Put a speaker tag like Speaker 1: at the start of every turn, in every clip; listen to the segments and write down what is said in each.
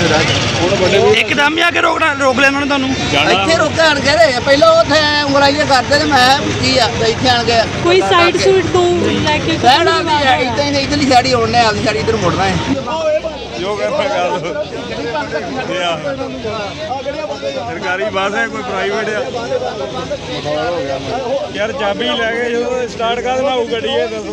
Speaker 1: एकदम ही आके रोक लिया उन्होंने ਤੁਹਾਨੂੰ
Speaker 2: ਇੱਥੇ ਰੁਕਣ ਗਏ ਪਹਿਲਾਂ ਉੱਥੇ ਉਂਗਲਾਈਆਂ ਕਰਦੇ ਤੇ ਮੈਂ ਕੀ ਆ ਇੱਥੇ ਆਣ ਕੇ
Speaker 3: ਕੋਈ ਸਾਈਡ ਸੂਟ ਤੋਂ ਲੈ ਕੇ
Speaker 2: ਸਾਈਡ ਆ ਗਈ ਇਦਾਂ ਹੀ ਇਧਰਲੀ ਸਾਈਡ ਹੀ ਆਉਣੇ ਆਪਦੀ ਸਾਈਡ ਇਧਰ ਮੁੜਨਾ ਹੈ
Speaker 4: ਜੋ ਕਰਨਾ ਕਰ ਲੋ ਸਰਕਾਰੀ ਬੱਸ ਹੈ ਕੋਈ ਪ੍ਰਾਈਵੇਟ ਆ ਯਾਰ ਚਾਬੀ ਲੈ ਕੇ ਜਦੋਂ ਸਟਾਰਟ ਕਰ ਦੇਣਾ ਉਹ ਗੱਡੀ ਹੈ ਦੱਸੋ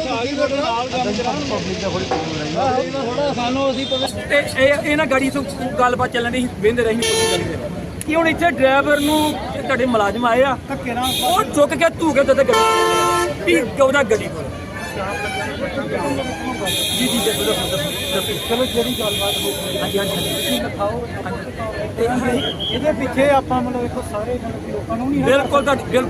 Speaker 5: ਸਾਨੂੰ ਅਸੀਂ ਇਹ ਨਾ ਗਾੜੀ ਤੋਂ ਗੱਲਬਾਤ ਚੱਲਣ ਦੀ ਵੇਂਦੇ ਰਹੀ ਕਿ ਹੁਣ ਇੱਥੇ ਡਰਾਈਵਰ ਨੂੰ ਤੁਹਾਡੇ ਮੁਲਾਜ਼ਮ ਆਏ ਆ ਉਹ ਚੁੱਕ ਕੇ ਧੂ ਕੇ ਤੇ ਗੱਡੀ ਵੀ ਗੌਦਾ ਗੱਡੀ ਕੋਲ ਜੀ ਜੀ ਚਲੋ ਜਿਹੜੀ ਗੱਲਬਾਤ ਹੋ ਹਾਂਜੀ ਹਾਂਜੀ ਲਿਖਾਓ ਇਹਦੇ ਪਿੱਛੇ ਆਪਾਂ ਮਤਲਬ ਦੇਖੋ ਸਾਰੇ ਲੋਕਾਂ ਨੂੰ ਨਹੀਂ ਬਿਲਕੁਲ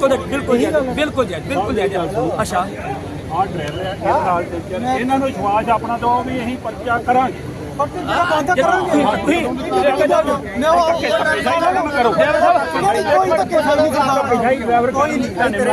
Speaker 5: ਅੱਛਾ
Speaker 4: ਆਹ ਡਰਾਈਵਰ ਆ ਇਹ ਨਾਲ ਚੱਲ ਇਹਨਾਂ ਨੂੰ ਵਿਸ਼ਵਾਸ ਆਪਣਾ ਦੋ ਵੀ ਅਸੀਂ ਪਰਚਾ ਕਰਾਂਗੇ
Speaker 5: ਬੰਦ ਕਰਾਂਗੇ ਕੋਈ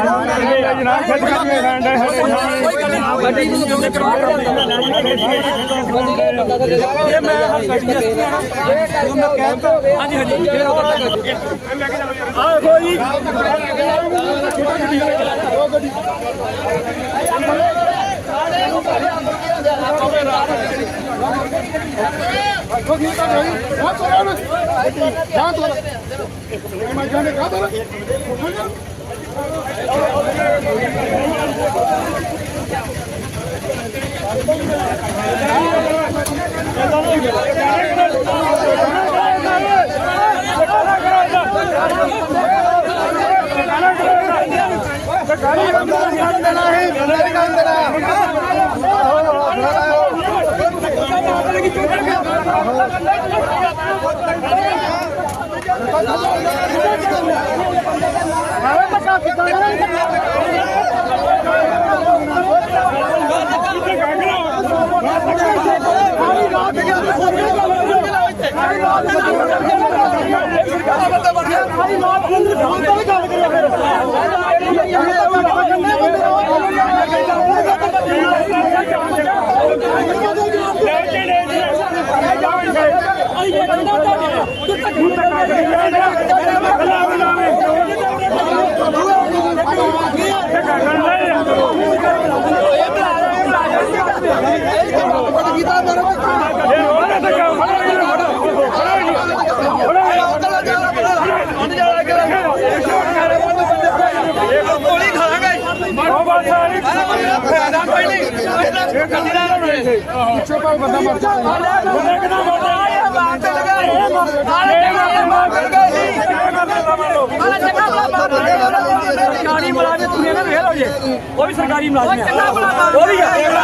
Speaker 5: ਸਰਕਾਰੀ ਮੁਲਾਜ਼ਮ ਤੁਸੀਂ ਇਹਨਾਂ ਨੂੰ ਵੇਖ ਲਓ ਜੀ ਉਹ ਵੀ ਸਰਕਾਰੀ ਮੁਲਾਜ਼ਮ ਹੈ ਉਹ ਵੀ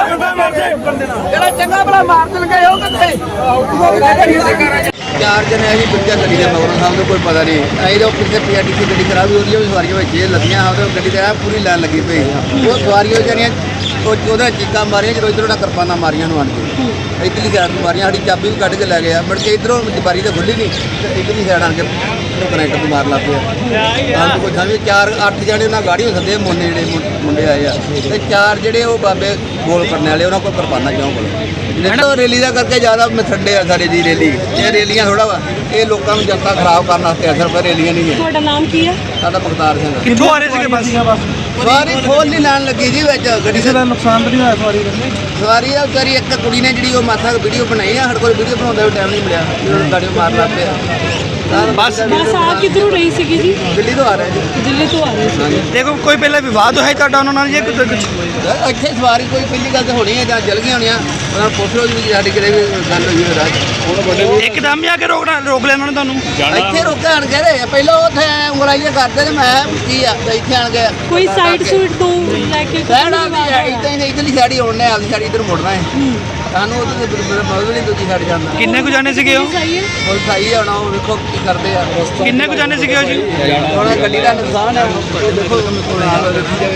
Speaker 5: ਜਿਹੜਾ ਚੰਗਾ ਭਲਾ ਮਾਰ ਦਿਲ ਗਏ ਉਹ ਕਿੱਥੇ
Speaker 2: ਚਾਰ ਜਣੇ ਅਸੀਂ ਦੂਜਾ ਗੱਡੀ ਦੇ ਮਗਰੋਂ ਸਾਨੂੰ ਕੋਈ ਪਤਾ ਨਹੀਂ ਅਸੀਂ ਤਾਂ ਪਿੱਛੇ ਪੀਆਰਟੀਸੀ ਗੱਡੀ ਖਰਾਬ ਹੋਈ ਉਹਦੀ ਸਵਾਰੀਆਂ ਵਿੱਚ ਇਹ ਲੱਗੀਆਂ ਉਹਦੇ ਗੱਡੀ ਤੇ ਪੂਰੀ ਲਾਈਨ ਲੱਗੀ ਪਈ ਉਹ ਸਵਾਰੀਆਂ ਜਿਹੜੀਆਂ ਉਹਦਾ ਚੀਕਾਂ ਮਾਰੀਆਂ ਜਦੋਂ ਇੱਧਰੋਂ ਕਿਰਪਾਨਾਂ ਮਾਰੀਆਂ ਨੂੰ ਆਣ ਕੇ ਇੱਧਰਲੀ ਸਾਈਡ ਨੂੰ ਮਾਰੀਆਂ ਸਾਡੀ ਚਾਬੀ ਵੀ ਕੱਢ ਕੇ ਲੈ ਗਏ ਮੁੜ ਕੇ ਇੱਧਰੋਂ ਬਾਰੀ ਤਾਂ ਖੁੱਲੀ ਨਹੀਂ ਤੇ ਇੱਧਰਲੀ ਸਾਈਡ ਆਣ ਕੇ ਕਨੈਕਟਰ ਨੂੰ ਮਾਰ ਲੱਗ ਪਿਆ ਸਾਨੂੰ ਕੋਈ ਸਮਝ 4-8 ਜਣੇ ਉਹਨਾਂ ਗਾੜੀ ਹੋ ਸਕਦੇ ਮੋਨੇ ਜਿਹੜੇ ਮੁੰਡੇ ਆਏ ਆ ਤੇ 4 ਜਿਹੜੇ ਉਹ ਬਾਬੇ ਗੋਲ ਕਰਨ ਵਾਲੇ ਉਹਨਾਂ ਕੋਲ ਕਿਰਪਾਨਾਂ ਕਿਉਂ ਕੋਲ ਜਿਹੜਾ ਰੈਲੀ ਦਾ ਕਰਕੇ ਜ਼ਿਆਦਾ ਮਥੱਡੇ ਆ ਸਾਡੇ ਦੀ ਰੈਲੀ ਇਹ ਰੈਲੀਆਂ ਥੋੜਾ ਵਾ ਇਹ ਲੋਕਾਂ ਨੂੰ ਜਨਤਾ ਖਰਾਬ ਕਰਨ ਵਾਸਤੇ ਅਸਰ ਪਰ ਰੈਲੀਆਂ ਨਹੀਂ ਹੈ
Speaker 3: ਤੁਹਾਡਾ ਨਾਮ ਕੀ ਹੈ
Speaker 2: ਸਾਡਾ ਮੁਖਤਾਰ ਸਿੰਘ
Speaker 1: ਕਿੱਥੋਂ ਆ ਰਹੇ ਸੀਗੇ ਬੱਸ
Speaker 2: ਸਵਾਰੀ ਖੋਲ ਨਹੀਂ ਲੈਣ ਲੱਗੀ ਜੀ ਵਿੱਚ ਗੱਡੀ
Speaker 1: ਦਾ ਨੁਕਸਾਨ ਤਾਂ ਨਹੀਂ ਹੋਇਆ
Speaker 2: ਸਵਾਰੀ ਆ ਵਿਚਾਰੀ ਇੱਕ ਕੁੜੀ ਨੇ ਜਿਹੜੀ ਉਹ ਮਾਥਾ ਵੀਡੀਓ ਬਣਾਈ ਆ ਸਾਡੇ ਕੋਲ ਵੀਡੀਓ ਬਣਾਉਂਦਾ ਵੀ ਟਾਈਮ ਨਹੀਂ ਮਿਲਿਆ ਗਾੜੀ ਮਾਰ ਲੱਗ ਪਿਆ
Speaker 3: ਬਸ ਆ ਕਿੱਧਰੋਂ ਰਹੀ ਸੀਗੀ ਜੀ
Speaker 2: ਦਿੱਲੀ ਤੋਂ ਆ ਰਿਹਾ ਜੀ
Speaker 3: ਦਿੱਲੀ ਤੋਂ ਆ ਰਹੇ ਸੀ
Speaker 1: ਦੇਖੋ ਕੋਈ ਪਹਿਲਾਂ ਵਿਵਾਦ ਹੋਇਆ ਤੁਹਾਡਾ ਉਹਨਾਂ ਨਾਲ ਜਾਂ ਕੁਝ
Speaker 2: ਇੱਥੇ ਸਵਾਰੀ ਕੋਈ ਪਹਿਲੀ ਗੱਲ ਤਾਂ ਹੋਣੀ ਹੈ ਜਾਂ ਜਲ ਗਈਆਂ ਹੋਣੀਆਂ ਉਹਨਾਂ ਨੂੰ ਪੁੱਛ ਲਓ ਜੀ ਸਾਡੀ ਕਿਤੇ ਵੀ ਗੱਲ ਹੋਈ ਹੋਵੇ ਰਾਜ
Speaker 1: ਇੱਕਦਮ ਹੀ ਆਕੇ ਰੋਕ ਲਿਆ ਉन्होंने ਤੁਹਾਨੂੰ
Speaker 2: ਇੱਥੇ ਰੁਕਣ ਗਏ ਪਹਿਲਾਂ ਉੱਥੇ ਉਂਗਲਾਈਆਂ ਕਰਦੇ ਤੇ ਮੈਂ ਕੀ ਆ ਇੱਥੇ ਆਣ ਕੇ
Speaker 3: ਕੋਈ ਸਾਈਡ ਸੂਟ ਤੋਂ ਲੈ ਕੇ
Speaker 2: ਸਾਈਡ ਆ ਗਈ ਇਦਾਂ ਹੀ ਇਧਰਲੀ ਸਾਈਡ ਹੀ ਆਉਣੇ ਆਪਦੀ ਸਾਈਡ ਇਧਰ ਮੁੜਨਾ ਹੈ ਸਾਨੂੰ ਉਹਦੇ ਮਤਲਬ ਨਹੀਂ ਦੂਜੀ ਸਾਈਡ ਜਾਂਦਾ
Speaker 1: ਕਿੰਨੇ ਕੁ ਜਾਣੇ ਸੀਗੇ ਉਹ
Speaker 3: ਸਹੀ ਹੈ
Speaker 2: ਉਹ ਸਹੀ ਹੈ ਹੁਣ ਉਹ ਵੇਖੋ ਕੀ ਕਰਦੇ ਆ
Speaker 1: ਕਿੰਨੇ ਕੁ ਜਾਣੇ ਸੀਗੇ ਉਹ ਜੀ
Speaker 2: ਹੁਣ ਗੱਡੀ ਦਾ ਨੁਕਸਾਨ ਹੈ ਉਹ ਦੇਖੋ ਨਾਲ ਦੇਖੀ ਜਾਵੇ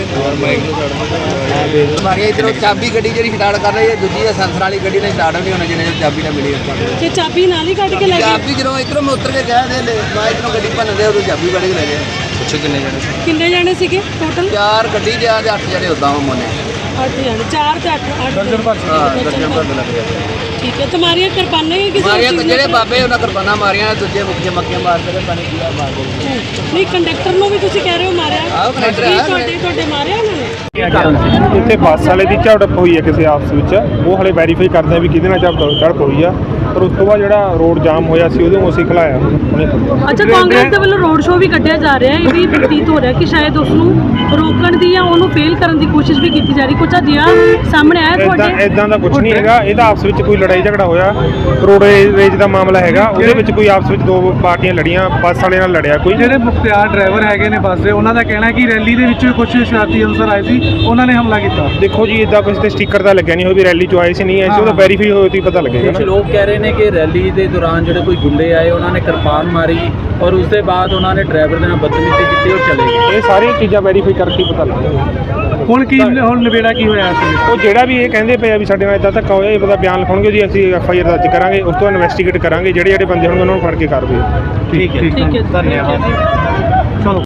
Speaker 2: ਮਾਰੀ ਇਧਰੋਂ ਚਾਬੀ ਗੱਡੀ ਜਿਹੜੀ ਸਟਾਰਟ ਕਰ ਰਹੀ ਹੈ ਦੂਜੀ ਦਾ ਸੈਂਸਰ ਵਾਲੀ ਗੱਡੀ ਨੇ ਸਟਾਰਟ ਨਹੀਂ ਹੋਣਾ ਜਿੰਨੇ ਚਾਬੀ ਨਾ ਮਿਲੀ
Speaker 3: ਤੇ ਚਾਬੀ ਨਾਲ ਹੀ ਕੱਢ ਕੇ ਲੈ ਗਏ
Speaker 2: ਚਾਬੀ ਜਦੋਂ ਇਧਰੋਂ ਮੈਂ ਉਤਰ ਕੇ ਗਿਆ ਤੇ ਮੈਂ ਇਧਰੋਂ ਗੱਡੀ ਭੰਨਦੇ ਉਦੋਂ ਚਾਬੀ ਕੱਢ ਕੇ ਲੈ ਗਏ
Speaker 3: ਕਿੰਨੇ ਜਾਣੇ ਸੀਗੇ ਟੋਟਲ
Speaker 2: 4 ਗੱਡੀ ਜਾਂ 8 ਜਣੇ ਉਦਾਂ ਮੋਨੇ
Speaker 3: 8 ਜਾਣੇ 4 ਤੇ 8
Speaker 2: ਹਾਂ ਦਰਜਨ ਭਰ ਲੱਗ ਗਿਆ
Speaker 3: ਠੀਕ ਹੈ ਤੁਹਾਡੀਆਂ ਕਿਰਪਾਨਾਂ ਹੀ ਕਿਸੇ
Speaker 2: ਮਾਰੀਆਂ
Speaker 3: ਚੀਜ਼
Speaker 2: ਜਿਹੜੇ
Speaker 3: ਨਾਲ-
Speaker 2: ਬਾਬੇ ਉਹਨਾਂ ਕਿਰਪਾਨਾਂ ਮਾਰੀਆਂ ਦੂਜੇ ਮੁੱਖ ਜਮੱਕੀਆਂ ਮਾਰਦੇ ਨੇ ਪਾਣੀ ਪੀਆ ਮਾਰਦੇ ਨੇ।
Speaker 3: ਨਹੀਂ ਕੰਡਕਟਰ ਨੂੰ ਵੀ ਤੁਸੀਂ ਕਹਿ ਰਹੇ ਹੋ ਮਾਰਿਆ
Speaker 2: ਆਹੋ, ਕੰਡਕਟਰ
Speaker 3: ਕੀ
Speaker 2: ਆ।
Speaker 3: ਤੁਹਾਡੇ ਮਾਰਿਆ ਉਹਨਾਂ ਨੇ
Speaker 4: ਇੱਥੇ ਬੱਸ ਵਾਲੇ ਦੀ ਝੜਪ ਹੋਈ ਹੈ ਕਿਸੇ ਆਪਸ ਵਿੱਚ, ਉਹ ਹਲੇ ਵੈਰੀਫਾਈ ਕਰਦੇ ਆ ਵੀ ਕਿਹਦੇ ਨਾਲ ਝੜਪ ਹੋਈ ਆ, ਪਰ ਉਸ ਤੋਂ ਬਾਅਦ ਜਿਹੜਾ ਰੋਡ ਜਾਮ ਹੋਇਆ ਸੀ ਉਹਦੇ ਨੂੰ ਅਸੀਂ ਖਿਲਾਇਆ ਹੁਣੇ।
Speaker 3: ਅੱਛਾ ਕਾਂਗਰਸ ਦੇ ਵੱਲੋਂ ਰੋਡ ਸ਼ੋਅ ਵੀ ਕੱਢਿਆ ਜਾ ਰਿਹਾ ਹੈ, ਇਹ ਵੀ ਪ੍ਰਤੀਤ ਹੋ ਰਿਹਾ ਕਿ ਸ਼ਾਇਦ ਉਸ ਨੂੰ ਰੋਕਣ ਦੀ ਜਾਂ ਉਹਨੂੰ ਫੇਲ ਕਰਨ ਦੀ ਕੋਸ਼ਿਸ਼ ਵੀ ਕੀਤੀ ਜਾ ਰਹੀ, ਕੁਝ ਅਜਿਹਾ ਸਾਹਮਣੇ ਆਇਆ ਤੁਹਾਡੇ?
Speaker 4: ਇਦਾਂ ਦਾ ਕੁਝ ਨਹੀਂ ਹੈਗਾ, ਇਹਦਾ ਆਪਸ ਵਿੱਚ ਕੋਈ ਲੜਾਈ ਝਗੜਾ ਹੋਇਆ, ਰੋਡਵੇਜ ਦਾ ਮਾਮਲਾ ਹੈਗਾ, ਉਹਦੇ ਵਿੱਚ ਕੋਈ ਆਪਸ ਵਿੱਚ ਦੋ ਪਾਰਟੀਆਂ ਲੜੀਆਂ, ਬੱਸ ਵਾਲੇ ਨਾਲ ਲੜਿਆ ਕੋਈ।
Speaker 6: ਜਿਹੜੇ ਮੁਖਤਿਆਰ ਡਰਾਈਵਰ ਹੈਗੇ ਨੇ ਬੱਸ ਦੇ, ਉਹਨਾਂ ਦਾ ਕਹਿਣਾ ਹੈ ਕਿ ਰੈਲੀ ਦੇ ਵਿੱਚ ਕੁਝ ਸ਼ਰਾਰਤੀ ਅਨਸਰ ਆਏ ਸੀ, ਉਹਨਾਂ ਨੇ ਹਮਲਾ ਕੀਤਾ।
Speaker 4: ਦੇਖੋ ਜੀ, ਇਦਾਂ ਕੁਝ ਤੇ ਸਟicker ਤਾਂ ਲੱਗਿਆ ਨਹੀਂ ਹੋਇਆ ਵੀ ਰੈਲੀ ਚ ਆਏ ਸੀ ਨਹੀਂ ਆਏ ਸੀ, ਉਹਦਾ ਵੈਰੀਫਾਈ ਹੋਇਆ ਤਾਂ ਪਤਾ ਲੱਗੇਗਾ
Speaker 7: ਕੁਝ
Speaker 4: ਨਾ।
Speaker 7: ਲੋਕ ਕਹਿ ਰਹੇ ਨੇ ਕਿ ਰੈਲੀ ਦੇ ਦੌਰਾਨ ਜਿਹੜੇ ਕੋਈ ਗੁੰਡੇ ਆਏ ਉਹਨਾਂ ਨੇ ਕਿਰਪਾਨ ਮਾਰੀ ਔਰ ਉਸ ਦੇ ਬਾਅਦ ਉਹਨਾਂ ਨੇ ਡਰਾਈਵਰ ਦੇ ਨਾਲ ਬਦਤਮੀਜ਼ੀ ਕੀਤੀ ਔਰ ਚਲੇ ਗਏ।
Speaker 4: ਇਹ ਸਾਰੀਆਂ ਚੀਜ਼ਾਂ ਵੈਰੀਫਾਈ ਕਰਕੇ ਪਤਾ ਲੱਗੇਗਾ।
Speaker 6: ਹੁਣ ਨਿਬੇੜਾ ਕੀ ਹੋਇਆ ਸੀ?
Speaker 4: ਉਹ ਜਿਹੜਾ ਵੀ ਇਹ ਕਹਿੰਦੇ ਪਏ ਆ ਵੀ ਸਾਡੇ ਨਾਲ ਇਦਾਂ ਧੱਕਾ ਹੋਇਆ, ਇਹ ਪਤਾ ਬਿਆਨ ਲਿਖਾਉਣਗੇ ਜੀ, ਅਸੀਂ FIR ਦਰਜ ਕਰਾਂਗੇ, ਉਸ ਤੋਂ ਇਨਵੈਸਟੀਗੇਟ ਕਰਾਂਗੇ, ਜਿਹੜੇ ਬੰਦੇ ਹੋਣਗੇ ਉਹਨਾਂ ਨੂੰ ਫੜ ਕੇ ਕਾਰਵਾਈ।
Speaker 6: ਠੀਕ ਹੈ
Speaker 3: ਠੀਕ ਹੈ
Speaker 6: ਧੰਨਵਾਦ।